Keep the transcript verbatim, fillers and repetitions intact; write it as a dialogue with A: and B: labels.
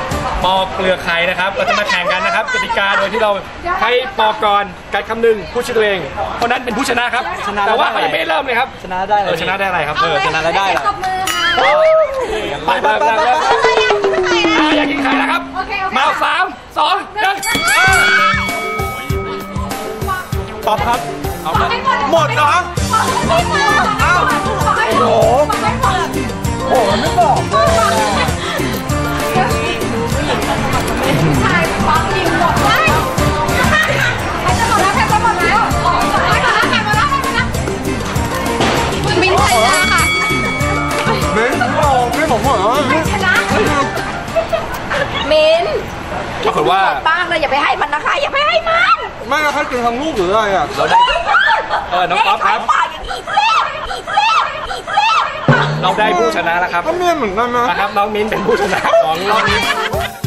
A: ปอกเปลือกไข่นะครับเราจะมาแข่งกันนะครับกติกาโดยที่เราให้ปอกก่อนกัดคำหนึ่งพูดชื่อตัวเองเพราะนั้นเป็นผู้ชนะครับแต่ว่าไม่เริ่มเลยครับ
B: ชนะได้เลย
A: ชนะได้อะไรครับเออ
B: ชนะได้ได้
C: ตบมือค่ะ
A: ไปไปไปไปอยากกินไข่แล้วครับมาสามสองหนึ่งตอบครับเอาหมดเหรออ้าวโอ้โหโอ้โหไม่บอกเลย
C: ชายฟังยิงหมดเลยใครจะหมดแล้วใครจะหมดแล้วใครหมดแล้วใครหมดแล้วใครหมดแล้วมินชนะค่ะ
A: มินโอ้ไม่ผมเหรอ
C: ชนะมิน
A: ปรากฏว่า
C: บ้างเลยอย่าไปให้มันนะคะอย่าไปให้มัน
A: ไม่ให้กินทั้งลูกหรืออะไรอ่ะเราได้เออน้องก๊อฟครับเราได้ผู้ชนะแล้วครับก็เมียเหมือนกันนะครับน้องมิ้นเป็นผู้ชนะของรอบนี้